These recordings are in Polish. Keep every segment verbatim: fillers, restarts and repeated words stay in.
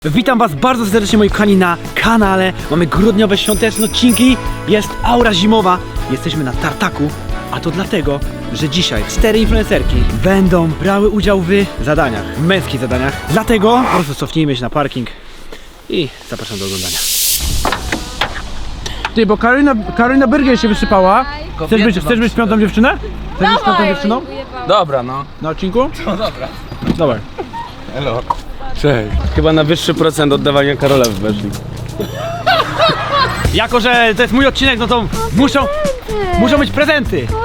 Witam was bardzo serdecznie, moi kochani, na kanale. Mamy grudniowe świąteczne odcinki. Jest aura zimowa. Jesteśmy na tartaku. A to dlatego, że dzisiaj cztery influencerki będą brały udział w zadaniach, w męskich zadaniach. Dlatego po prostu cofnijmy się na parking i zapraszam do oglądania. Ty, bo Karolina, Karolina Byrgiel się wysypała. Chcesz być, chcesz być piątą dziewczynę? Chcesz być piątą dziewczyną? Dobra, no. Na odcinku? No dobra. Dawaj. Hello. Cześć. Chyba na wyższy procent oddawania Karola weszli. Jako że to jest mój odcinek, no to muszą, muszą być prezenty. Wow!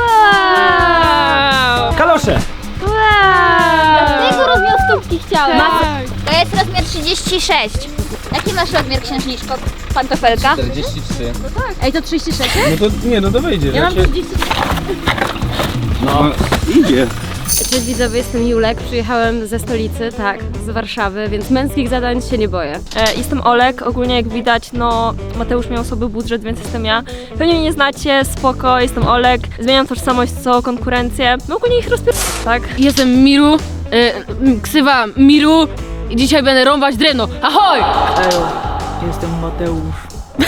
Kalosze. Wow! Dlatego rozmiar stópki chciałem. To jest rozmiar trzydzieści sześć. Jaki masz rozmiar, księżniczko? Pantofelka? czterdzieści trzy. Ej, to trzydzieści sześć? No to nie, no to wejdzie. Ja mam trzydzieści sześć. No, idzie. Cześć widzowie, jestem Julek, przyjechałem ze stolicy, tak, z Warszawy, więc męskich zadań się nie boję. E, jestem Olek, ogólnie jak widać, no Mateusz miał sobie budżet, więc jestem ja. Pewnie mnie nie znacie, spoko, jestem Olek, zmieniam tożsamość co konkurencję, no ogólnie ich rozpier... tak? Jestem Miru, y, ksywa Miru i dzisiaj będę rąbać drewno. Ahoj! Jestem Mateusz.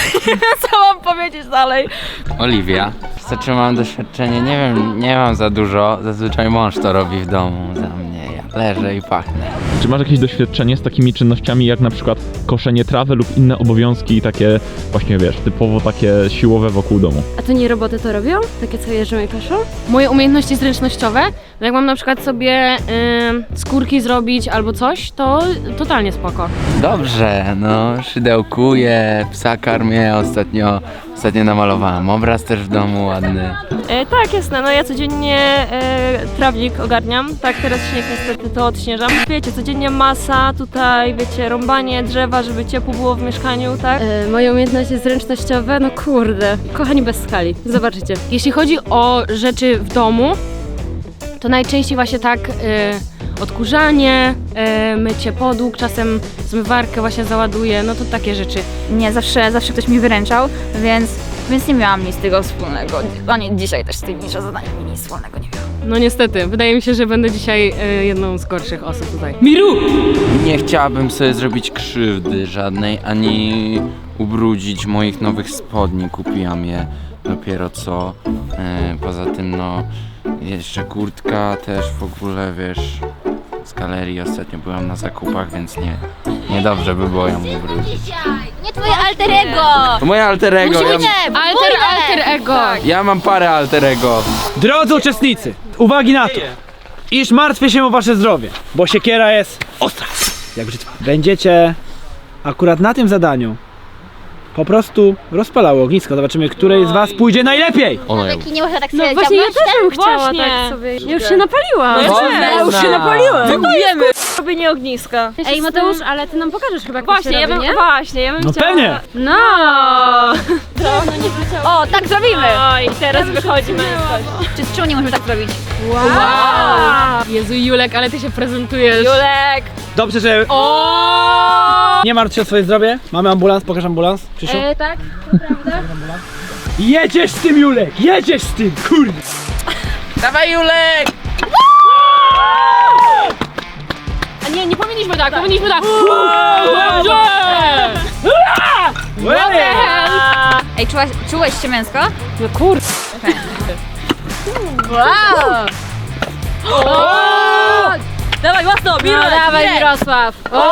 Co mam powiedzieć dalej? Oliwia. Znaczy mam doświadczenie, nie wiem, nie mam za dużo. Zazwyczaj mąż to robi w domu za mnie. Ja leżę i pachnę. Czy masz jakieś doświadczenie z takimi czynnościami jak na przykład koszenie trawy lub inne obowiązki takie właśnie wiesz, typowo takie siłowe wokół domu? A to nie roboty to robią? Takie co jeżdżą i paszą? Moje umiejętności zręcznościowe, no jak mam na przykład sobie y, skórki zrobić albo coś, to totalnie spoko. Dobrze, no szydełkuję, psa karmię, ostatnio, ostatnio namalowałam obraz też w domu ładny. E, tak, jasne, no ja codziennie e, trawnik ogarniam, tak teraz śnieg niestety to odśnieżam. Wiecie, codziennie masa, tutaj wiecie, rąbanie drzewa, żeby ciepło było w mieszkaniu, tak? Y, moje umiejętności zręcznościowe, no kurde, kochani bez skali, zobaczycie. Jeśli chodzi o rzeczy w domu, to najczęściej właśnie tak y, odkurzanie, y, mycie podłóg, czasem zmywarkę właśnie załaduję, no to takie rzeczy. Nie, zawsze, zawsze ktoś mi wyręczał, więc, więc nie miałam nic z tego wspólnego. Ani dzisiaj też z tymi zadaniami nic wspólnego nie miałam. No niestety, wydaje mi się, że będę dzisiaj y, jedną z gorszych osób tutaj. Miru! Nie chciałabym sobie zrobić krzywdy żadnej, ani ubrudzić moich nowych spodni. Kupiłam je dopiero co. E, poza tym no, jeszcze kurtka też w ogóle, wiesz, z galerii ostatnio byłam na zakupach, więc nie, niedobrze by było ją ubrudzić. Nie twoje alter ego! To moje alter ego, ja, Alter, alter ego! ja mam parę alter ego. Drodzy uczestnicy, uwagi na to, iż martwię się o wasze zdrowie, bo siekiera jest ostra. Jak brzytwa. Będziecie akurat na tym zadaniu po prostu rozpalało ognisko. Zobaczymy, której z was pójdzie najlepiej. Taki nie można tak sobie No właśnie ja dziabnąć, też bym chciała Właśnie. tak sobie. Ja już się napaliłam. No ja już się napaliłem. Próbujemy! Robienie ogniska. Ej Mateusz, ale ty nam pokażesz chyba jak to Właśnie, się ja robi, bym, nie? właśnie, ja bym No chciała... pewnie. No! O, tak zrobimy! No i teraz wychodzimy. Czy z czemu nie możemy tak zrobić? Wow! Jezu Julek, ale ty się prezentujesz. Julek! Dobrze, że O! nie martw się o swoje zdrowie. Mamy ambulans, pokaż ambulans. Krzysiu. E, tak? Jedziesz z tym, Julek! Jedziesz z tym, kurde! Dawaj Julek! A nie, nie powinniśmy tak, powinniśmy tak. Dobrze! Ej, czułaś, czułeś się męsko? No kurde. Wow! Dawaj, mocno, No, Mirek! dawaj Mirek. Mirosław. O!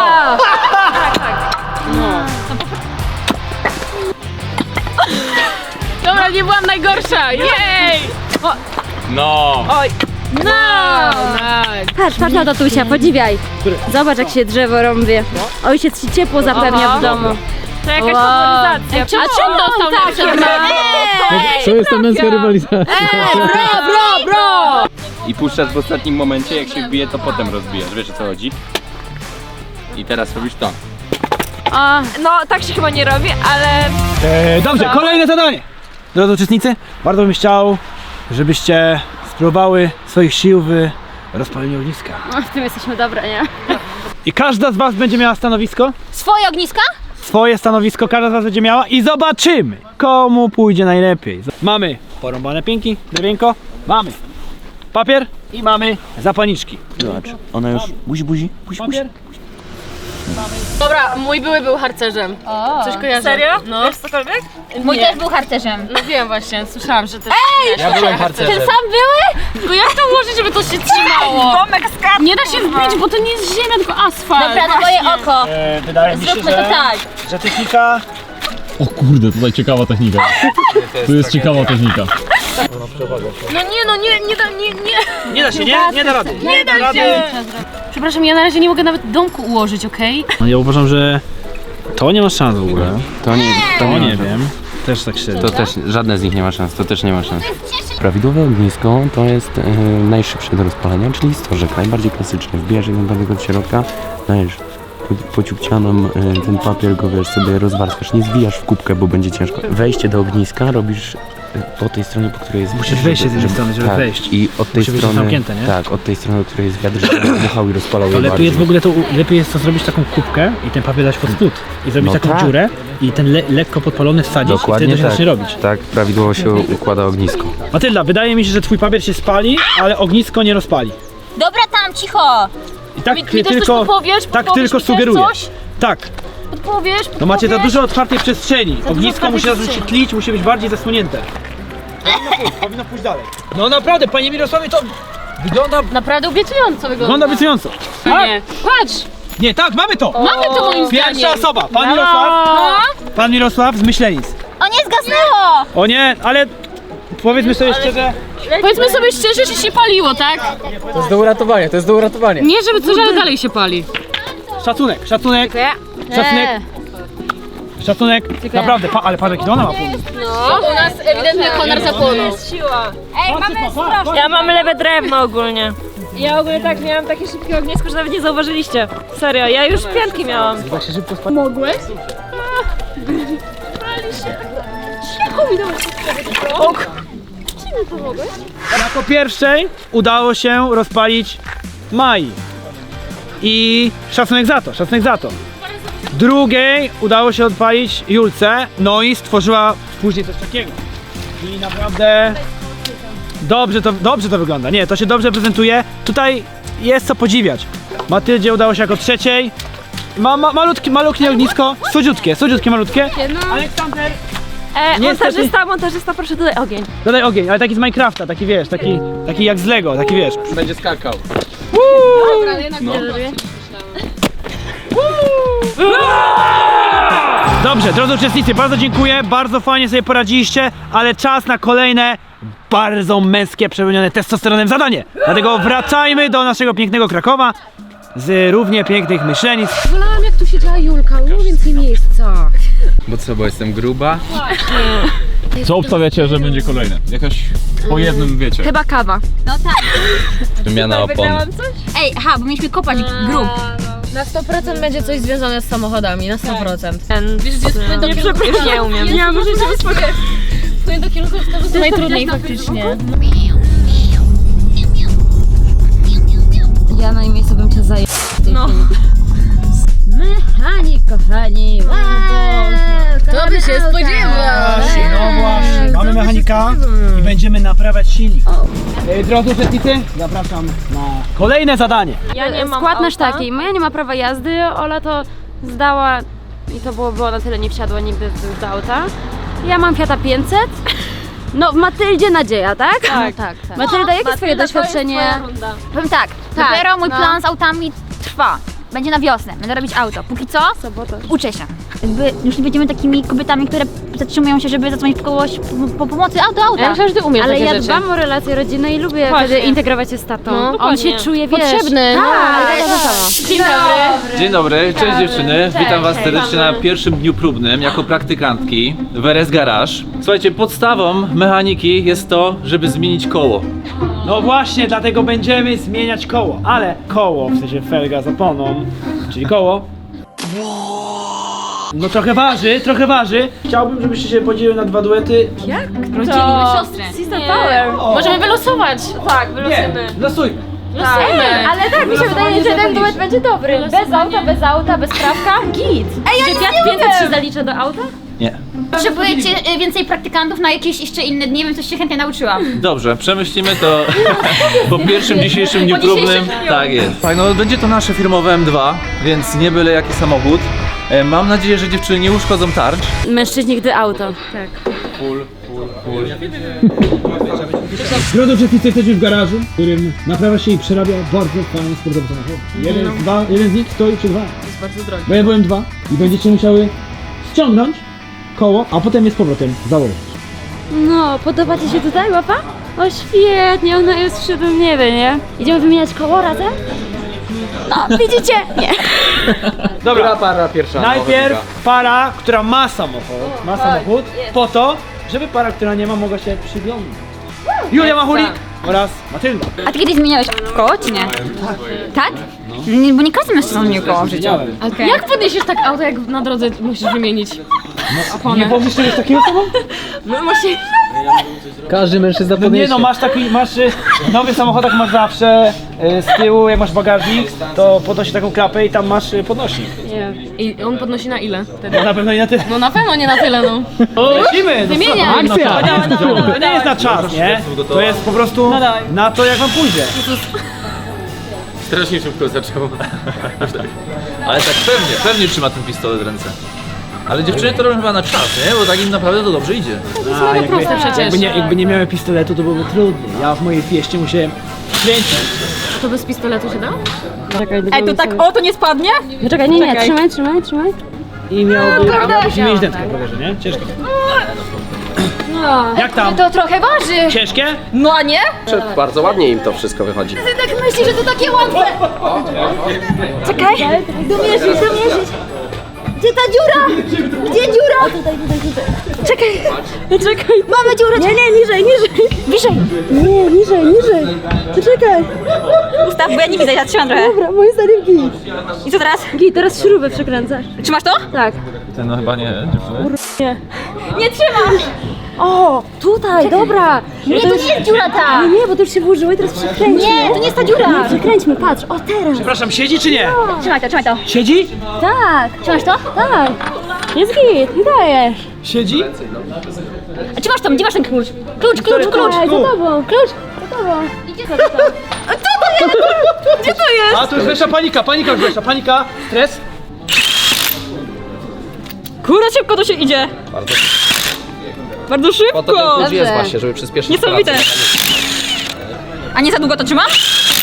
Dobra, nie byłam najgorsza. Jej! No! Oj, No! Patrz, patrz na tatusia, podziwiaj. Zobacz jak się drzewo rąbie. Ojciec ci ciepło zapewnia Aha. w domu. to jakaś Wow. faworyzacja. Ej, czemu on dostał lepsze ma? To jest ta męska rywalizacja. Bro, bro, bro! I puszczasz w ostatnim momencie, jak się wbije, to potem rozbijasz. Wiesz o co chodzi? I teraz robisz to. A, No, tak się chyba nie robi, ale... E, dobrze, kolejne zadanie. Drodzy uczestnicy, bardzo bym chciał, żebyście spróbowały swoich sił w rozpaleniu ogniska. w tym jesteśmy dobre, nie? I każda z was będzie miała stanowisko. Swoje ogniska? Swoje stanowisko każda z was będzie miała i zobaczymy, komu pójdzie najlepiej. Mamy porąbane pięki, drewienko, mamy papier i mamy zapalniczki. Zobacz, ona już buzi, buzi, buzi, buzi. Papier, Dobra, mój były był harcerzem. O, Coś kojarzę. Serio? No. Wiesz cokolwiek? mój Nie. też był harcerzem. No wiem właśnie, słyszałam, że też. Ja byłem harcerzem. Ten sam były? Tylko jak to ułożyć, żeby to się trzymało? Domek z kartą. Nie da się wbić, bo to nie jest ziemia, tylko asfalt. Dobra, twoje oko. E, wydaje mi się, Zróbmy to że, tak. że technika... O kurde, tutaj ciekawa technika. Tu jest ciekawa technika. No nie, no nie, nie da, nie, nie. Nie da się, nie? Nie da rady. Nie da rady. Przepraszam, ja na razie nie mogę nawet domku ułożyć, okej? No ja uważam, że to nie ma szans w ogóle. To nie, to To nie, nie ma. wiem. Też tak średnio. To też, żadne z nich nie ma szans, to też nie ma szans. Prawidłowe ognisko to jest e, najszybsze do rozpalenia, czyli stożek, najbardziej klasyczny. Wbijasz jedną do środka, dajesz po- pociupcianą e, ten papier, go wiesz, sobie rozwarstwiasz, nie zwijasz w kubkę, bo będzie ciężko. Wejście do ogniska robisz e, po tej stronie, po której jest... Musisz wejść z jednej strony, żeby tak, wejść. I od tej Musi być strony... zamknięte, nie? Tak, od tej strony, od której jest wiatr, żeby dmuchał i rozpalał je To lepiej bardziej. jest w ogóle to, lepiej jest to zrobić taką kubkę i ten papier dać pod spód i zrobić No taką tak. dziurę i ten le, lekko podpalony wsadzić Dokładnie i wtedy to się tak. zacznie robić. Tak, prawidłowo się układa ognisko. Matylda, wydaje mi się, że twój papier się spali, ale ognisko nie rozpali. Dobra, tam, cicho. I tak Mi, ty mi też tylko, coś podpowiesz? tak Podpowiesz tylko mi też sugeruję. coś? Tak, Podpowiesz? no macie za Podpowiesz? dużo otwartej przestrzeni. Ognisko otwartej musi zacząć się przestrzeni. tlić, musi być bardziej zasłonięte. Powinno pójść, powinno pójść dalej. No naprawdę, panie Mirosławie, to wygląda, Naprawdę obiecująco wygląda. wygląda obiecująco. Nie, patrz! Nie, tak, mamy to! Mamy to moim zdaniem. Pierwsza osoba, pan Mirosław, No. pan Mirosław z Myślenic. O, nie zgasnęło. O nie, ale powiedzmy sobie szczerze, Powiedzmy sobie szczerze, że się paliło, tak? To jest do uratowania, to jest do uratowania. Nie, żeby coś, ale dalej się pali. szacunek, szacunek, szacunek, szacunek, naprawdę, pa, ale patrz jaki to ona ma pomysł. No, u nas ewidentnie konar zapłonął. Siła. Ej, mamy strasznie. Ja mam lewe drewno ogólnie. Ja ogólnie tak miałam takie szybkie ognisko, że nawet nie zauważyliście. Serio, ja już pianki miałam. Mogłeś? Jako pierwszej udało się rozpalić Mai. I szacunek za to, szacunek za to. Drugiej udało się odpalić Julce, no i stworzyła później coś takiego. Czyli naprawdę dobrze to, dobrze to wygląda. Nie, to się dobrze prezentuje. Tutaj jest co podziwiać. Matyldzie udało się jako trzeciej. Ma, ma, malutkie, malutkie ognisko, słodziutkie, słodziutkie, malutkie. Aleksander, E, Niestety- montażysta, montażysta, proszę dodaj ogień. dodaj ogień, ale taki z Minecrafta, taki wiesz, taki, taki jak z Lego, taki wiesz. Będzie skakał. Dobrze, drodzy uczestnicy, bardzo dziękuję, bardzo fajnie sobie poradziliście, ale czas na kolejne bardzo męskie, przepełnione testosteronem zadanie. Dlatego wracajmy do naszego pięknego Krakowa z równie pięknych Myślenic. Wolałam jak tu siedziała Julka, było więcej miejsca. Bo co, bo jestem gruba? Co obstawiacie, że będzie kolejne? Jakaś po jednym wiecie. Chyba kawa. No tak. Wymiana opon. Ej, aha, bo mieliśmy kopać grób. Na sto procent będzie coś związane z samochodami, na sto procent. Ten, Wiesz, gdzie jest płyn do nie, kierunku? przepraszam, nie umiem. Ja muszę się uspokoić. Płyn do kierunku to najtrudniej faktycznie. Ja na jej miejscu bym cię zajęła. No. Mechanik, kochani. Wow, To by się spodziewał. Właśnie, no właśnie, mamy mechanika i będziemy naprawiać silnik. E, Drodzy uczestnicy, zapraszam na kolejne zadanie. Ja nie mam Skład nasz auta. taki, Maja nie ma prawa jazdy, Ola to zdała i to było, było na tyle, nie wsiadła nigdy już do auta. Ja mam Fiata pięćset. No w Matyldzie nadzieja, tak? Tak, tak, tak. Matylda, jakie twoje Matylda, to jest doświadczenie? twoja runda. Powiem tak, Tak, dopiero mój no. plan z autami trwa. Będzie na wiosnę, będę robić auto. Póki co, uczę się. Jakby już nie będziemy takimi kobietami, które zatrzymują się, żeby zadzwonić w kogoś po, po pomocy auto, auta. Ja myślę, że ty umiesz Ale takie ja rzeczy. dbam o relacje rodzinne i lubię Właśnie. wtedy integrować się z tatą. No, On dokładnie. się czuje, wiesz, potrzebny. Tak. No, to samo. Dzień dobry. Dzień dobry, cześć dziewczyny, witam was serdecznie na pierwszym dniu próbnym jako praktykantki w R S Garage. Słuchajcie, podstawą mechaniki jest to, żeby zmienić koło. No właśnie, dlatego będziemy zmieniać koło, ale koło, w sensie felga z oponą, czyli koło. No trochę waży, trochę waży. Chciałbym, żebyście się podzieliły na dwa duety. Rozdzielimy siostrę. Sister Power. Możemy wylosować. Tak, Nie, wylosujemy. losujmy. Losujemy. Ale tak, mi się wydaje, że ten duet będzie dobry. Bez auta, bez auta, bez prawka, git. Ej, ja Czy nic Fiat nie pięćset się umiem. zalicza do auta? Nie. Potrzebujecie y, więcej praktykantów na jakieś jeszcze inne dni, bym coś się chętnie nauczyłam. Dobrze, przemyślimy to po pierwszym dzisiejszym dniu Po dzisiejszym próbnym. dniu. Tak jest. Tak, no będzie to nasze firmowe M dwa, więc nie byle jaki samochód. E, Mam nadzieję, że dziewczyny nie uszkodzą tarcz. Mężczyźni, gdy auto. Tak. Drodzy uczestnicy, jesteśmy w garażu, w którym naprawia się i przerabia bardzo fajny sportowy samochód. Jeden, z dwa, jeden z nich stoi przy dwa. Jest bardzo drogi. Bo ja byłem dwa i będziecie musiały ściągnąć koło, a potem je z powrotem założyć. No, podoba ci się tutaj łapa? O świetnie, ona jest w siódmym niebie, nie? Idziemy wymieniać koło razem? No, widzicie? Nie. Dobra, para pierwsza? najpierw para, która ma samochód, ma samochód, po to, żeby para, która nie ma, mogła się przyglądać. Julia Machulik oraz Matylda. A ty kiedyś zmieniałeś koło, czy nie? Tak? Nie, bo nie każdy mężczyzna zmienił koło w życiu. Okej. Jak podniesiesz tak auto, jak na drodze musisz wymienić? Nie pomyślisz czegoś takiego sobą? No właśnie. Każdy mężczyzna No nie podniesie. no, masz taki, masz y, w nowych samochodach masz zawsze y, z tyłu, jak masz bagażnik, to podnosi taką klapę i tam masz y, podnośnik. Nie. I on podnosi na ile wtedy? No na pewno nie na tyle. No na pewno nie na tyle, no. Lecimy! Wymieniaj. Akcja! To nie, jest, to nie jest na czas, nie? To jest po prostu na to, jak wam pójdzie. Strasznie szybko zaczęło. Ale tak pewnie, pewnie trzyma ten pistolet w ręce. Ale dziewczyny to robią chyba na czas, nie? Bo tak im naprawdę to dobrze idzie. A, jakby, proste przecież. jakby, nie, jakby nie miałem pistoletu, to byłoby trudniej. Ja w mojej fieście musiałem kręcić. To bez pistoletu się da? Czekaj, Ej, to tak o, to nie spadnie? No czekaj, nie, nie, trzymaj, trzymaj, trzymaj. I miałby, miałbyś mieć dętkę po rowerze, nie? Ciężko. Jak tam? To trochę waży. Ciężkie? No a nie? Bardzo ładnie im to wszystko wychodzi. Ty tak myślisz, że to takie łatwe. Czekaj, domierzyć, domierzyć. Gdzie ta dziura? Gdzie dziura? Tutaj, tutaj, tutaj. Czekaj, czekaj. Mamy dziurę. Nie, nie, niżej, niżej. Wyżej. Nie, niżej, niżej. Czekaj. Ustaw, bo ja nie widzę, ja trzymam trochę. Dobra, moje stare git. I co teraz? Git, teraz śrubę przekręcasz. Trzymasz to? Tak. Ten no chyba nie, dziewczyny. Nie trzymasz. O, tutaj, dobra. Nie, to nie jest dziura ta. Nie, nie, bo to już się włożyło i teraz przekręćmy. Nie, to nie jest ta dziura. Przekręćmy, patrz, o teraz. Przepraszam, siedzi czy nie? Trzymaj to, trzymaj to. Siedzi? Tak, Trzymasz to? tak. Jest git, nie dajesz. Siedzi? A gdzie masz to? Gdzie masz ten klucz? Klucz, klucz, klucz. Daj, za tobą, klucz, za tobą. Gdzie to? Gdzie to jest? A tu już weszła panika, panika już weszła, panika, stres. Kurde, szybko to się idzie. Bardzo, Bardzo szybko. Po to ten klucz jest właśnie, żeby przyspieszyć Niesamowite. pracę. A nie za długo to trzymam?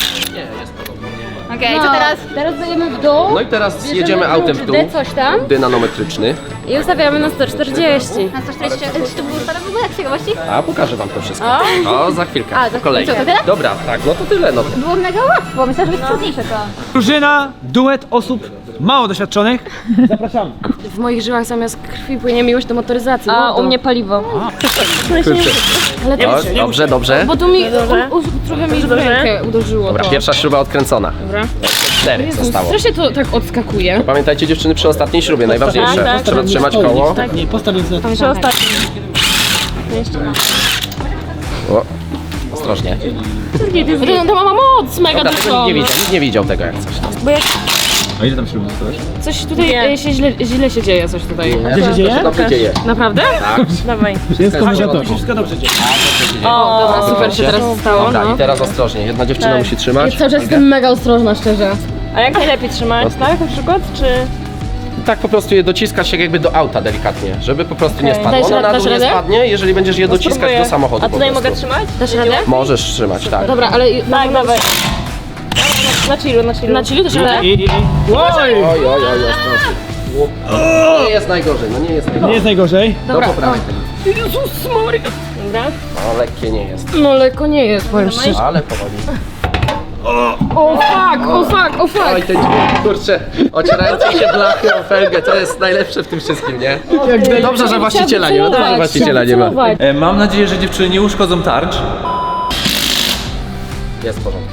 Okej, co teraz? Teraz dajemy w dół. No i teraz jedziemy autem w dół. D coś tam. Dynanometryczny. I ustawiamy na sto czterdzieści. Na sto czterdzieści. Czy to było ustawione w ogóle jak z ciekawości? A pokażę wam to wszystko. O, za chwilkę. A, za po kolei. chwilkę. Co, to tyle? Dobra, tak, no to tyle. No. Było mega łatwo, myślałam, że jest trudniejsze to. Drużyna, duet osób mało doświadczonych. Zapraszamy. W moich żyłach zamiast krwi płynie miłość do motoryzacji. A mordo. u mnie paliwo. Ale to O, dobrze, dobrze. bo tu mi u, u, trochę mi w rękę uderzyło. Dobra, to. pierwsza śruba odkręcona. Dobra. Cztery Jezus, zostało. strasznie to tak odskakuje. Pamiętajcie dziewczyny przy ostatniej śrubie, najważniejsze. tak, tak. Trzeba trzymać koło. Nie, postaw więc na Przy ostatnim. O, ostrożnie. To, to ma moc mega Dobra, tego dużo. nikt nie widział, nikt nie widział tego jak coś. A ile tam śruby dostałeś? Coś tutaj e, się źle, źle się dzieje, coś tutaj. Gdzie się dzieje? To się dobrze dzieje. Naprawdę? Dawaj. Wszystko dobrze, wszystko dobrze dzieje. O, dobra, super się teraz stało. Dobra, No. i teraz ostrożnie. Jedna dziewczyna musi trzymać. Cały czas jestem mega ostrożna, szczerze. A jak najlepiej trzymać, tak? Na przykład, czy... Tak po prostu je dociskać się jakby do auta delikatnie, żeby po prostu nie Okej. spadło. Dasz Ono ra- na dasz dół nie radę? spadnie, jeżeli będziesz je dociskać Spróbuję. do samochodu A po tutaj prostu. mogę trzymać? Dasz radę? Możesz trzymać, tak. Dobra, ale... Tak, dawaj. Na chillu, na chillu. Na chillu też radę? I, i, i. Oj! Oj, oj, oj, ostrożnie. Nie jest najgorzej, no nie jest Nie najgorzej. jest najgorzej. Do poprawy tego. Jezus Maria. Dobra. No lekkie nie jest, No lekko nie jest, powiem szczerze. ale powoli. O fuck, o fuck, o fuck. Oj, ten dźwięk, kurczę, ocierające się blachy o felgę, to jest najlepsze w tym wszystkim, nie? Dobrze, że właściciela nie ma, dobrze, że właściciela nie ma. E, Mam nadzieję, że dziewczyny nie uszkodzą tarcz. Jest w porządku.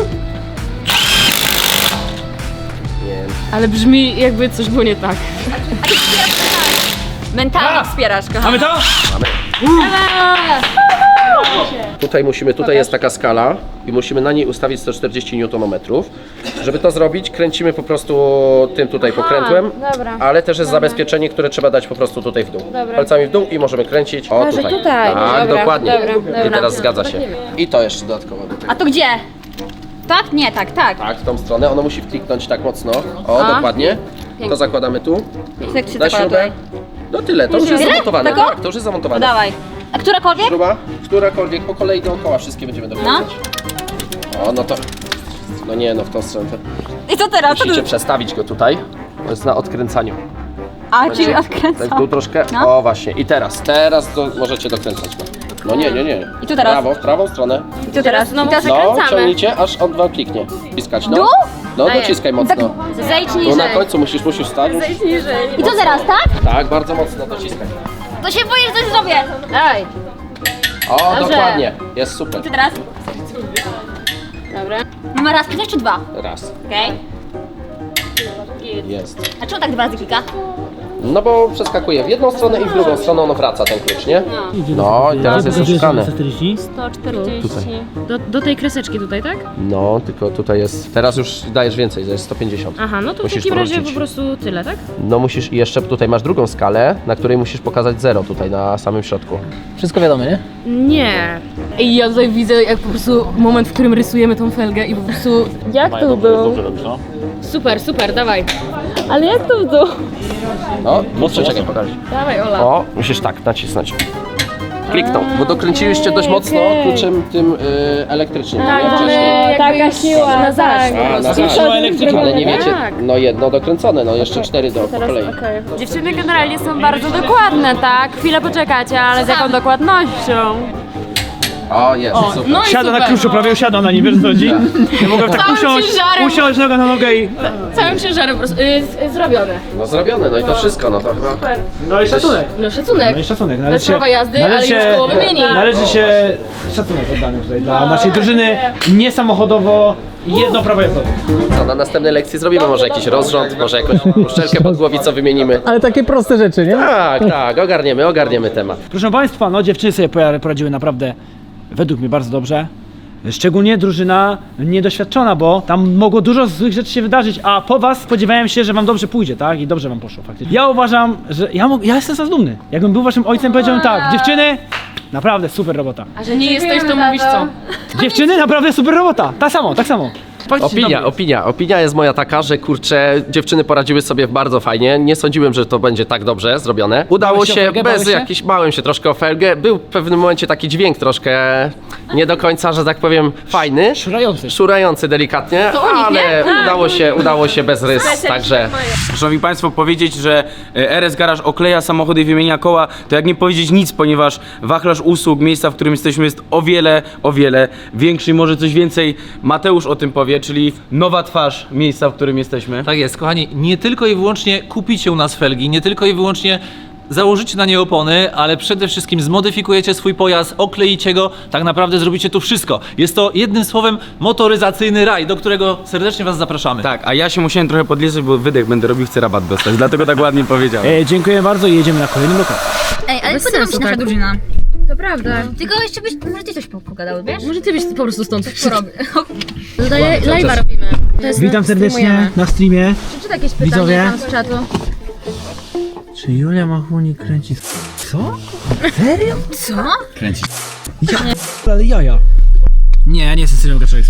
Nie. Ale brzmi jakby coś było nie tak. Mentalnie wspierasz, kochana. Mamy to? Mamy. Tutaj musimy, tutaj jest taka skala i musimy na niej ustawić sto czterdzieści niutonometrów. Żeby to zrobić, kręcimy po prostu tym tutaj pokrętłem, dobra. ale też jest zabezpieczenie, które trzeba dać po prostu tutaj w dół. Palcami w dół i możemy kręcić. O, że tutaj. tutaj. Tak, Dobra, dokładnie. dobra, dobra. I teraz zgadza się. I to jeszcze dodatkowo do tego. A to gdzie? Tak? Nie, tak, tak. Tak, w tą stronę. Ono musi wkliknąć tak mocno. O, A. dokładnie. To zakładamy tu. Jak się Na zakłada śrubę. tutaj? No tyle, to już jest Tyle? zamontowane. Tako? Tak, to już jest No zamontowane. dawaj. A którakolwiek? Śruba, którakolwiek po kolei dookoła wszystkie będziemy dokręcać. O, no to... No nie, no w tą stronę. I co teraz? Co Musicie tu? przestawić go tutaj. To jest na odkręcaniu. A, czyli Tak odkręcam. tu troszkę. No. O właśnie. I teraz, teraz do, możecie dokręcać go. No nie, nie, nie. I tu teraz? Prawo, w prawą stronę. I co teraz? I teraz No, ciągnijcie, aż on wam kliknie. Wciskać, no. Dół? No, dociskaj mocno. Zejdź Tu na niżej. końcu musisz, musisz stać. I co teraz, tak? Tak, bardzo mocno dociskaj. To się boję, że coś zrobię. Daj. O, dokładnie. Jest super. Co teraz? Dobra. Mamy raz klikać czy dwa? Raz. Okej. Jest. A czemu tak dwa razy klika? No bo przeskakuje w jedną stronę i w drugą stronę ono wraca ten klucz, nie? No i teraz jest oszukane. sto czterdzieści. Do, do tej kreseczki tutaj, tak? No, tylko tutaj jest. Teraz już dajesz więcej, to jest sto pięćdziesiąt. Aha, no to w Musisz takim razie powrócić. po prostu tyle, tak? No musisz i jeszcze tutaj masz drugą skalę, na której musisz pokazać zero tutaj na samym środku. Wszystko wiadomo, nie? Nie. Ej, ja tutaj widzę jak po prostu moment, w którym rysujemy tą felgę i po prostu... Jak to było? Super, super, dawaj. Ale jak to było? No, mocno czekaj, pokaż. Dawaj, Ola. O, musisz tak nacisnąć. Kliknął, bo dokręciliście dość mocno kluczem tym y, elektrycznym. Tak, nie? mamy Wcześniej. taka siła na zaś. A, na zaś. Ale nie wiecie, no jedno dokręcone, no jeszcze cztery do po kolei. Dziewczyny generalnie są bardzo dokładne, tak? Chwilę poczekacie, ale z jaką dokładnością? O, jest, super. No i Siada na super. kluczu, prawie usiadła na nim, wiesz co chodzi? Ja mogłem tak Całym usiąść, ciężarem. usiąść noga na nogę i... Całym ciężarem po prostu y, y, zrobione. No zrobione, no i to wszystko, no to chyba... No i szacunek. No szacunek. No i szacunek. Bez Należy prawa jazdy, ale już koło wymieni. Należy się szacunek oddany tutaj dla naszej drużyny niesamochodowo jedno prawo jazdowe. Co, na następnej lekcji zrobimy może jakiś rozrząd, może jakąś uszczelkę pod głowicą wymienimy. Ale takie proste rzeczy, nie? Tak, tak, ogarniemy, ogarniemy temat. Proszę Państwa, no dziewczyny sobie pora- poradziły naprawdę według mnie bardzo dobrze. Szczególnie drużyna niedoświadczona, bo tam mogło dużo złych rzeczy się wydarzyć, a po was spodziewałem się, że wam dobrze pójdzie, tak? I dobrze wam poszło faktycznie. Ja uważam, że ja, mog- ja jestem z was dumny. Jakbym był waszym ojcem, powiedziałbym tak, dziewczyny, naprawdę super robota. A że nie jesteś, to mówisz co? Dziewczyny, naprawdę super robota. Tak samo, tak samo. Faktycznie Opinia, dobry. opinia. Opinia jest moja taka, że kurczę, dziewczyny poradziły sobie bardzo fajnie. Nie sądziłem, że to będzie tak dobrze zrobione. Udało Bałeś się o się felgę? bez Bałeś się? jakichś, bałem się troszkę o felgę. Był w pewnym momencie taki dźwięk troszkę nie do końca, że tak powiem, fajny. Szurający. Szurający delikatnie, ale udało się, udało się bez rys, także... Szanowni Państwo, powiedzieć, że e, R S Garage okleja samochody i wymienia koła, to jak nie powiedzieć nic, ponieważ wachlarz usług, miejsca, w którym jesteśmy, jest o wiele, o wiele większy i może coś więcej Mateusz o tym powie, czyli nowa twarz miejsca, w którym jesteśmy. Tak jest, kochani, nie tylko i wyłącznie kupicie u nas felgi, nie tylko i wyłącznie założycie na nie opony, ale przede wszystkim zmodyfikujecie swój pojazd, okleicie go, tak naprawdę zrobicie tu wszystko. Jest to jednym słowem motoryzacyjny raj, do którego serdecznie Was zapraszamy. Tak, a ja się musiałem trochę podliczyć, bo wydech będę robił, chcę rabat dostać, dlatego tak ładnie powiedziałem. E, dziękuję bardzo i jedziemy na kolejny lokal. Ej, ale Bez podoba mi sensu, się nasza tak. drużyna. To prawda. Tylko jeszcze byś, może ty coś po- pogadał, wiesz? Może ty byś po prostu stąd Porobię. Dodaję, live'a robimy. To jest Witam na- serdecznie streamujemy. na streamie. Przeczytaj jakieś pytanie Widzowie. tam z czatu. Czy Julia Machunik kręci... Co? Serio? Co? Ja, ale jaja. Nie, ja nie jestem serial gaczek.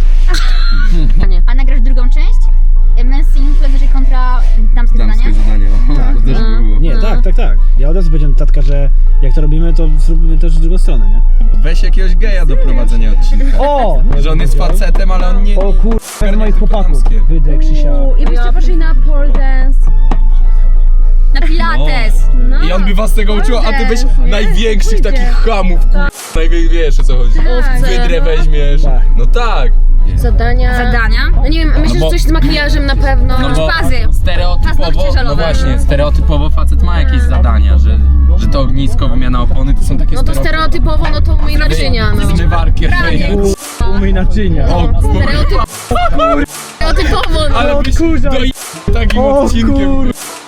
A nagrasz drugą część? Męscy influencerzy kontra damskie zadania? zadanie, tak. To też by było. Nie, tak, tak, tak. Ja od razu powiedziałem tatka, że jak to robimy, to zróbmy też w drugą stronę, nie? Weź jakiegoś geja do prowadzenia odcinka. O! Że on jest facetem, ale on nie... O kur... z moich chłopaków. Wydrę, Krzysia. I byście poszli na pole dance. Na pilates! No. I on by was tego uczył, a ty byś największych takich chamów, kur... Największych, wiesz o co chodzi. Wydrę weźmiesz. Tak. No tak. Zadania. Zadania? No nie wiem, myślę, No bo- że coś z makijażem na pewno. No bo Fazy. stereotypowo, Paznokcie no żelowe. właśnie, stereotypowo facet ma jakieś zadania, że, że to ognisko, wymiana opony, to są takie No to stereotypowo, no to umyj naczynia. No. Zmywarki, Umyj naczynia. o, Stereotyp... Stereotypowo, no. ale byś kurza. do takim O odcinkiem. kur...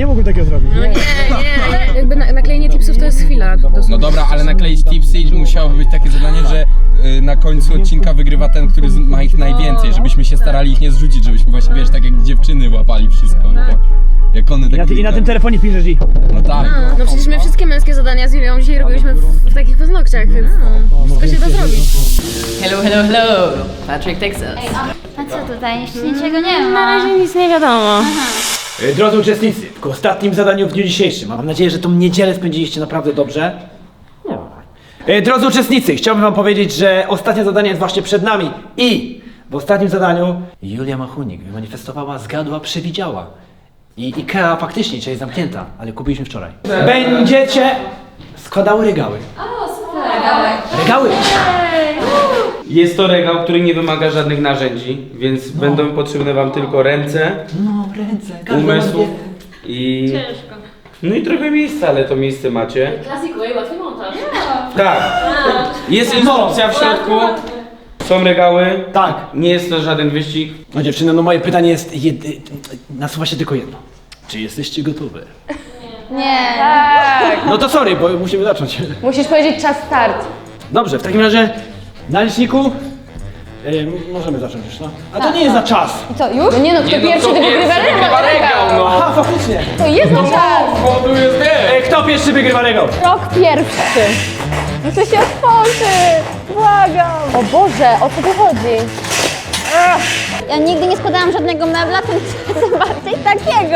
Nie mógłbym takiego zrobić. No nie, nie, jakby na, naklejenie tipsów to jest chwila. No dobra, ale nakleić tipsy i musiałoby być takie zadanie, że y, na końcu odcinka wygrywa ten, który z- ma ich najwięcej, żebyśmy się starali ich nie zrzucić, żebyśmy właśnie, wiesz, tak jak dziewczyny łapali wszystko. Tak? Jak one I na, tak... ty, I na tym telefonie piszesz i... No tak. No przecież my wszystkie męskie zadania z Julią dzisiaj robiliśmy w, w takich paznokciach, więc wszystko się da zrobić. Hello, hello, hello! Patrick, Texas. A co tutaj? Jeszcze niczego nie ma. Na razie nic nie wiadomo. E, Drodzy uczestnicy, w ostatnim zadaniu w dniu dzisiejszym. Mam nadzieję, że tą niedzielę spędziliście naprawdę dobrze. Nie. E, Drodzy uczestnicy, chciałbym wam powiedzieć, że ostatnie zadanie jest właśnie przed nami i w ostatnim zadaniu Julia Machunik wymanifestowała, zgadła, przewidziała. I IKEA faktycznie dzisiaj jest zamknięta, ale kupiliśmy wczoraj. Będziecie składały regały. O, super. Regały. Regały. Jest to regał, który nie wymaga żadnych narzędzi, więc będą potrzebne wam tylko ręce, No, ręce, każdy umysł ma i... Ciężko. No i trochę miejsca, ale to miejsce macie. Klasyku, i łatwy montaż. Tak. Jest instrukcja w środku. Są regały. Tak. Nie jest to żaden wyścig. No dziewczyny, no moje pytanie jest, jedy... nasuwa się tylko jedno. Czy jesteście gotowe? Nie. No to sorry, bo musimy zacząć. Musisz powiedzieć czas start. Dobrze, w takim razie na liczniku y, możemy zacząć już, no. A to nie jest na czas. Co, już? No nie no, kto pierwszy to wygrywa regał. no. Aha, faktycznie. To jest na czas. O, tu jest nie. E, kto pierwszy wygrywa regał? Krok pierwszy. Muszę się otworzy. Błagam. O Boże, o co tu chodzi? Ja nigdy nie składałam żadnego mebla, tym, tym bardziej takiego.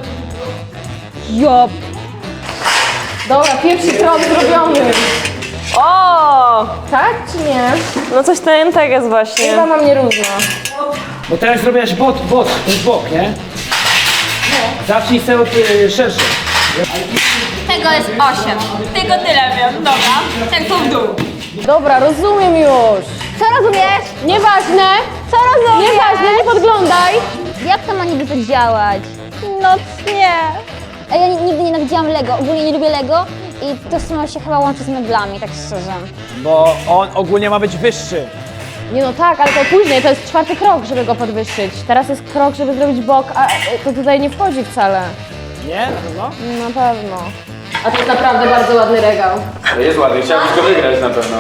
Jop. Dobra, pierwszy krok zrobiony. O! Tak czy nie? No coś ten tak jest właśnie. Chyba mam nierówno. Bo teraz zrobiłaś bot, bot, ten bok, nie? Zacznij sobie od y, szerszy. Tego jest osiem. Tylko tyle wiem, dobra. Tak tu w dół. Dobra, rozumiem już. Co rozumiesz? Nieważne. Co rozumiesz? Nieważne, nie podglądaj. Jak to ma niby tak działać? No nie. A ja nigdy nie nienawidziłam Lego, ogólnie nie lubię Lego i to samo się chyba łączy z meblami, tak szczerze. Bo on ogólnie ma być wyższy. Nie no tak, ale to później, to jest czwarty krok, żeby go podwyższyć. Teraz jest krok, żeby zrobić bok, a to tutaj nie wchodzi wcale. Nie? Na pewno? Na pewno. A to jest naprawdę bardzo ładny regał. Jest ładny, chciałbyś go wygrać na pewno.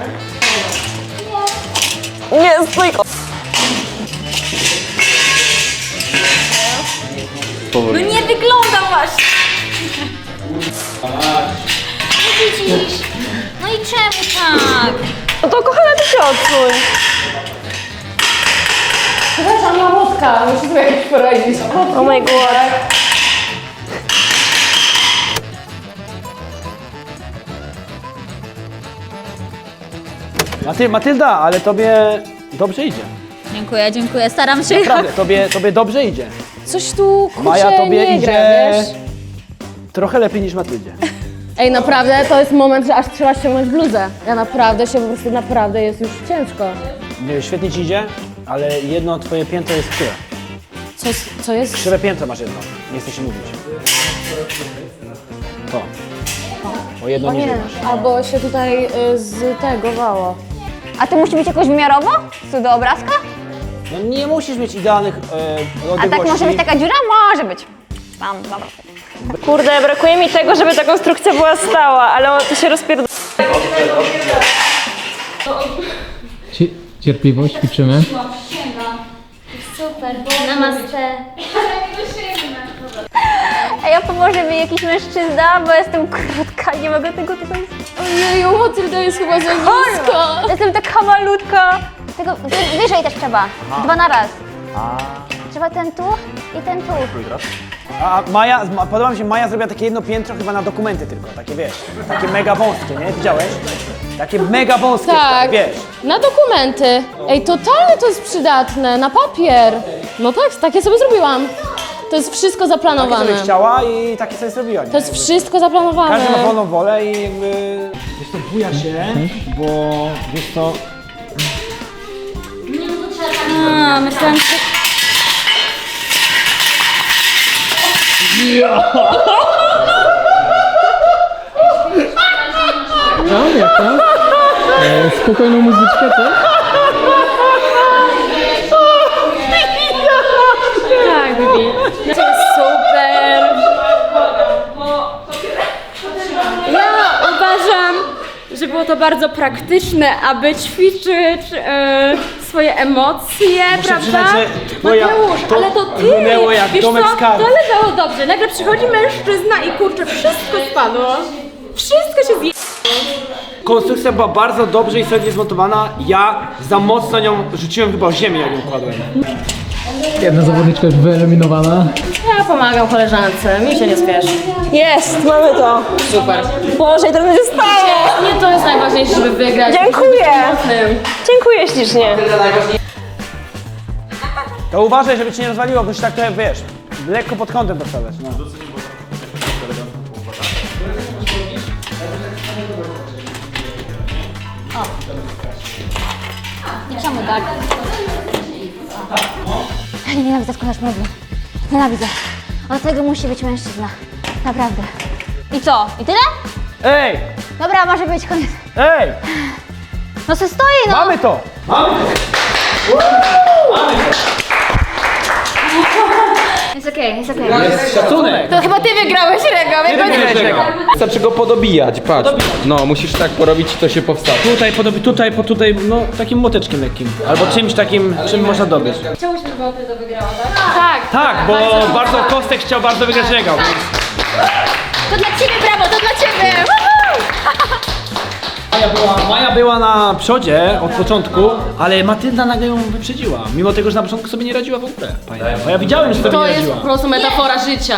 Nie, stój! No nie wygląda właśnie! No i czemu tak? No to kochana, ty się odsuń. Przepraszam, mamutka, muszę sobie jakoś poradzić. Oh my god. Maty, Matylda, ale tobie dobrze idzie. Dziękuję, dziękuję, staram się. Naprawdę, tobie, tobie dobrze idzie. Coś tu, kurczę, Maja, tobie nie idzie gra, wiesz? trochę lepiej niż Matyldzie. Ej, naprawdę, to jest moment, że aż trzeba ściągnąć bluzę. Ja naprawdę się po prostu, naprawdę jest już ciężko. Nie, świetnie ci idzie, ale jedno twoje piętro jest krzywe. Co, co jest? Krzywe piętro masz jedno, nie chcę się mówić. To. O jedno O niżej nie, masz. albo się tutaj y, z tego wało. A to musi być jakoś wymiarowo? Co do obrazka? No nie musisz mieć idealnych e, A odległości. tak może być taka dziura? Może być. Tam, dobra. Kurde, brakuje mi tego, żeby ta konstrukcja była stała, ale to się rozpierdala. Cierpliwość, ćwiczymy. Super, namaste. Ej, a pomoże mi jakiś mężczyzna, bo jestem krótka, nie mogę tego tutaj... Ojeju, Matylda jest chyba za nisko. Jestem taka malutka. Tego wy, wyżej też trzeba. Dwa na raz. Trzeba ten tu i ten tu. A Maja, ma- podoba mi się, Maja zrobiła takie jedno piętro chyba na dokumenty tylko, takie wiesz, takie mega wąskie, nie? Widziałeś? Takie mega wąskie, Tak, wiesz. na dokumenty. Ej, totalnie to jest przydatne, na papier. No tak, takie sobie zrobiłam. To jest wszystko Takie zaplanowane. sobie chciała i takie sobie zrobiła, nie? To jest wszystko zaplanowane. Każdy ma wolną wolę i jakby... Wiesz to, buja się, bo wiesz to... A, myślałam, że... No, jak to? E, spokojną muzyczkę, co? Tak, Bibi. To jest super. że było to bardzo praktyczne, aby ćwiczyć e, swoje emocje, prawda? przyznać, że twoja- Mateusz, to ale to ty! runęło jak Wiesz domek co, z kart. to leżało dobrze. Nagle przychodzi mężczyzna i kurczę, wszystko spadło. Wszystko się zje... Konstrukcja była bardzo dobrze i solidnie zmontowana. Ja za mocno nią rzuciłem chyba o ziemię, jak ją kładłem. Jedna zawodniczka już wyeliminowana. Ja pomagam koleżance, mi się nie spieszy. Jest, mamy to. Super. Boże, i to będzie stało. Nie to jest najważniejsze, żeby wygrać. Dziękuję. Dziękuję ślicznie. To uważaj, żeby cię nie rozwaliło, bo się tak to wiesz, lekko pod kątem dostawać. No. I czemu tak? Nienawidzę składać mebli. Nienawidzę. Od tego musi być mężczyzna. Naprawdę. I co? I tyle? Ej! Dobra, może być koniec. Ej! No se stoi, no! Mamy to! Jest okej, jest okej. Szacunek! To chyba ty wygrałeś regał. Wystarczy go podobijać, patrz. No, musisz tak porobić i to się powstanie. Tutaj, podobi, tutaj, po tutaj, no takim młoteczkiem lekkim. Albo czymś takim, czym można dobiec. Chciałyśmy, żeby Opel to wygrała, tak? Tak. Tak, bo bardzo Kostek chciał bardzo wygrać regał. To dla ciebie, brawo, to dla ciebie! Maja była, Maja była na przodzie od początku, ale Matylda nagle ją wyprzedziła. Mimo tego, że na początku sobie nie radziła w ogóle. Bo ja widziałem, że sobie To nie jest radziła. po prostu metafora życia.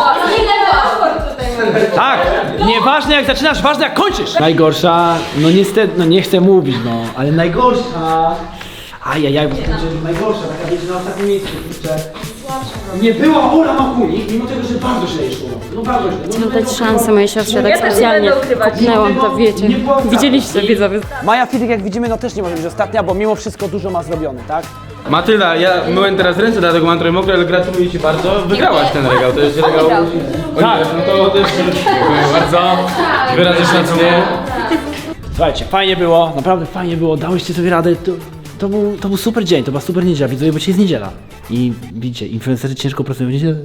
Tak, nieważne jak zaczynasz, ważne jak kończysz. Najgorsza, no niestety, no nie chcę mówić, no, ale najgorsza. Ajajaj, bo to będzie najgorsza, taka wiecie na ostatnim miejscu, kurczę. Nie była Ola Makulik, mimo tego, że bardzo źle jej szło. No bardzo źle. No, Chcę dać szansę mojej siostrze, tak specjalnie kopnęłam to, wiecie. Widzieliście, widzowie. Maja Fidyk, jak widzimy, no też nie może być ostatnia, bo mimo wszystko dużo ma zrobione, tak? Matylda, ja myłem teraz ręce, dlatego mam trochę mokre, ale gratuluję Ci bardzo. Wygrałaś ten regał, to jest regał... Tak. No to też dziękuję bardzo. Wyrażę szacunek. Słuchajcie, fajnie było, naprawdę fajnie było, dałyście sobie radę. To, to, był, to był super dzień, to była super niedziela, widzowie, bo dzisiaj jest niedziela. I widzicie, influencerzy ciężko pracują w niedzielę.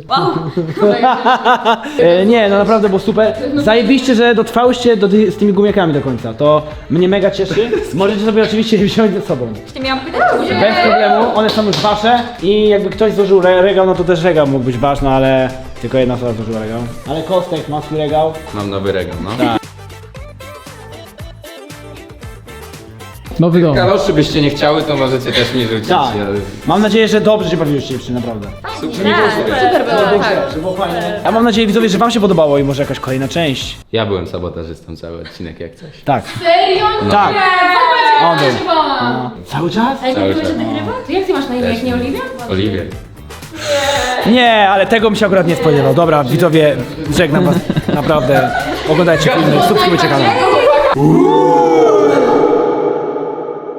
e, nie, no naprawdę było super. Zajebiście, że dotrwałyście do ty, z tymi gumiakami do końca. To mnie mega cieszy. Możecie sobie oczywiście je wziąć ze sobą. Bez problemu, one są już wasze. I jakby ktoś złożył re regał, no to też regał mógł być ważny, ale tylko jedna osoba złożyła regał. Ale Kostek ma swój regał. Mam nowy regał, no. Nowy dom. Kaloszy byście nie chciały, to możecie też mi rzucić. Tak. ale- Mam nadzieję, że dobrze się bawiłyście dziewczyny, naprawdę. Super było, tak. Że było fajnie. Ja mam nadzieję, widzowie, że wam się podobało i może jakaś kolejna część. Ja byłem sabotażystą cały odcinek jak coś. Tak. Serio? Tak. On był. Chyba. No. Cały czas? Cały czas. To jak ty masz na imię, jak nie Oliwia? Oliwier. Nie, ale tego bym się akurat nie spodziewał. Dobra, widzowie, żegnam was. Naprawdę. Oglądajcie filmy, subskrybujcie kanał.